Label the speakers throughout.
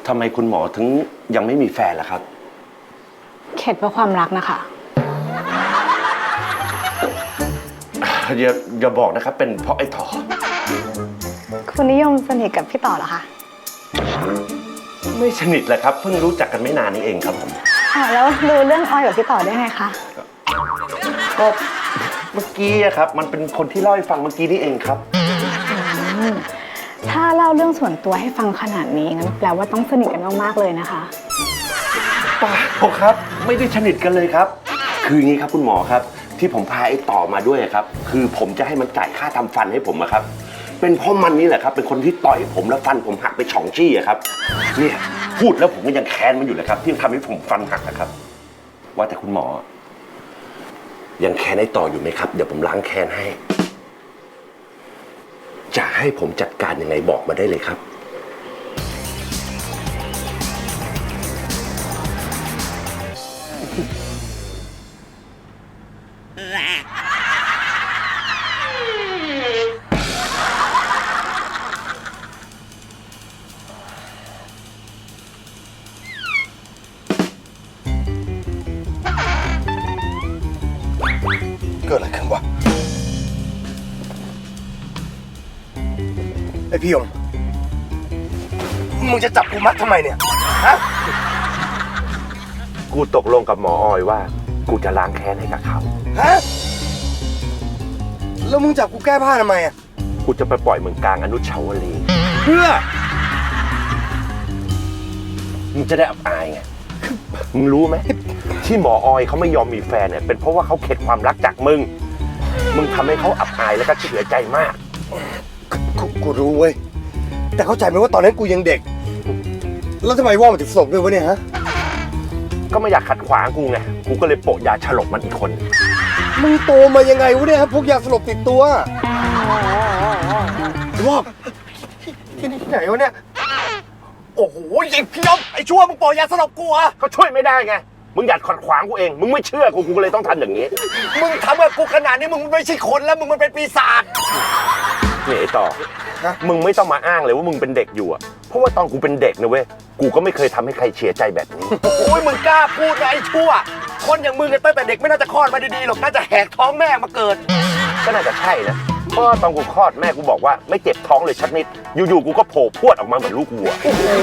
Speaker 1: ทำไมคุณหมอถึงยังไม่มีแฟนล่ะครับ
Speaker 2: เข็ดเพราะความรักนะคะ
Speaker 1: อย่าบอกนะครับเป็นเพราะไอ้ต่อ
Speaker 2: คุณนิยมสนิทกับพี่ต่อเหรอคะ
Speaker 1: ไม่สนิทเลยครับเพิ่งรู้จักกันไม่นานนี้เองครับผม
Speaker 2: แล้วรู้เรื่องออยกับพี่ต่อได้ไงคะ
Speaker 1: ก็เมื่อกี้ครับมันเป็นคนที่เล่าให้ฟังเมื่อกี้นี่เองครับ
Speaker 2: ถ้าเล่าเรื่องส่วนตัวให้ฟังขนาดนี้งั้นแปลว่าต้องสนิทกันมากๆเลยนะคะ
Speaker 1: เปล่าครับไม่ได้สนิทกันเลยครับคืออย่างนี้ครับคุณหมอครับที่ผมพาไอ้ต่อมาด้วยครับคือผมจะให้มันจ่ายค่าทำฟันให้ผมครับเป็นเพราะมันนี่แหละครับเป็นคนที่ต่อยผมแล้วฟันผมหักไป2 ซี่ครับเนี่ยพูดแล้วผมก็ยังแค้นมันอยู่เลยครับที่ทำให้ผมฟันหักนะครับว่าแต่คุณหมอยังแค้นไอ้ต่ออยู่ไหมครับเดี๋ยวผมล้างแค้นให้จะให้ผมจัดการยังไงบอกมาได้เลยครับ
Speaker 3: เกิดอะไรขึ้นวะไอพี่ยงมึงจะจับกูมัดทำไมเนี่ยฮะ
Speaker 1: กูตกลงกับหมอออยว่ากูจะล้างแค้นให้กับเขา
Speaker 3: ฮะแล้วมึงจับกูแก้ผ้าทำไมอ่ะ
Speaker 1: กูจะไปปล่อยมึงกลางอนุชาวรีย์
Speaker 3: เพื่อ
Speaker 1: มึงจะได้อับอายไงมึงรู้ไหมที่หมอออยเขาไม่ยอมมีแฟนเนี่ยเป็นเพราะว่าเขาเข็ดความรักจากมึงทำให้เขาอับอายแล้วก็เสียใจมาก
Speaker 3: กูรู้เว้ยแต่เข้าใจไหมว่าตอนนั้นกูยังเด็กแล้วทำไมว่ามันถึงสลบด้วยวะเนี่ยฮะ
Speaker 1: ก็ไม่อยากขัดขวางกูไงกูก็เลยโปะยาฉลบมันอีกคน
Speaker 3: มึงโตมายังไงวะเนี่ยฮะพวกยาสลบติดตัวว่าที่ไหนวะเนี่ยโอ้โหยิงพี่ยมไอ้ชั่วมึงโปะยาสลบกูอะ
Speaker 1: ก็ช่วยไม่ได้ไงมึงอยากขัดขวางกูเองมึงไม่เชื่อกูก็เลยต้องทำอย่างนี้
Speaker 3: มึงทำกับกูขนาดนี้มึงไม่ใช่คนแล้วมึงมันเป็นปีศาจ
Speaker 1: เนี่ยไอ้ต่อมึงไม่ต้องมาอ้างเลยว่ามึงเป็นเด็กอยู่อะเพราะว่าตอนกูเป็นเด็กนะเว้ยกูก็ไม่เคยทำให้ใครเสียใจแบบนี้
Speaker 3: โอ้ยมึงกล้าพูดนะไอ้ชั่วคนอย่างมึงตั้งแต่เด็กไม่น่าจะคลอดมาดีๆหรอกน่าจะแหกท้องแม่มาเกิด
Speaker 1: ก็น่าจะใช่นะเพราะตอนกูคลอดแม่กูบอกว่าไม่เจ็บท้องเลยชักนิดอยู่ๆกูก็โผล่พรวดออกมาเหมือนลูกวัว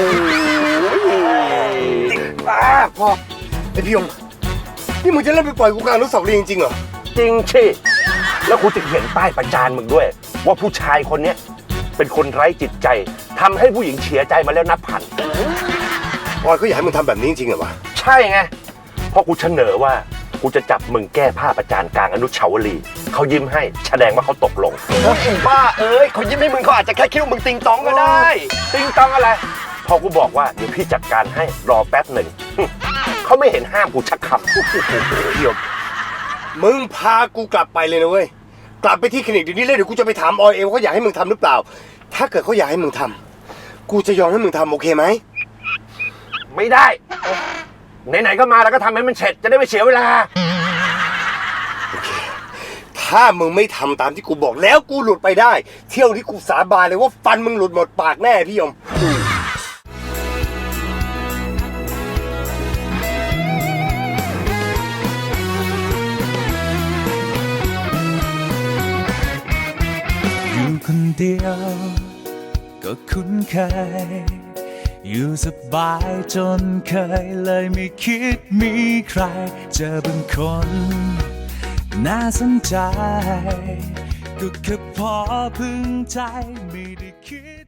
Speaker 3: พ่อไอพี่ยงนี่มึงจะเล่นไปปล่อยกูกลางอนุสาวรีย์จริงๆเหรอ
Speaker 1: จริงชิแล้วกูจะเขียนป้ายประจานมึงด้วยว่าผู้ชายคนนี้เป็นคนไร้จิตใจทำให้ผู้หญิงเสียใจมาแล้วนับพัน
Speaker 3: ออยก็อยากให้มึงทำแบบนี้จริงๆเหรอวะ
Speaker 1: ใช่ไงเพราะกูเสนอว่ากูจะจับมึงแก้ผ้าประจานกลางอนุชาวรีย์เขายิ้มให้แสดงว่าเขาตกลง
Speaker 3: บ้าเอ้ยเขายิ้มให้มึงเขาอาจจะแค่คิดว่ามึงติงตองก็ได้
Speaker 1: ติงตองอะไรพอกูบอกว่าเดี๋ยวพี่จัดการให้รอแป๊บหนึ่งเขาไม่เห็นห้ามกูชักคำ
Speaker 3: เดี๋ยวมึงพากูกลับไปเลยนะเว้ยกลับไปที่คลินิกเดี๋ยวนี้เลยเดี๋ยวกูจะไปถามออยเองว่าเขาอยากให้มึงทำหรือเปล่าถ้าเกิดเขาอยากให้มึงทำกูจะยอมให้มึงทำโอเคไหม
Speaker 1: ไม่ได้ไหนๆก็มาแล้วก็ทำให้มันเสร็จจะได้ไม่เสียเวลา
Speaker 3: โอเคถ้ามึงไม่ทำตามที่กูบอกแล้วกูหลุดไปได้เที่ยวนี้กูสาบานเลยว่าฟันมึงหลุดหมดปากแน่พี่ยม
Speaker 4: คนเดียวก็คุ้นเคยอยู่สบายจนเคยเลยไม่คิดมีใครเจอบางคนน่าสนใจก็แค่พอพึงใจไม่ได้คิด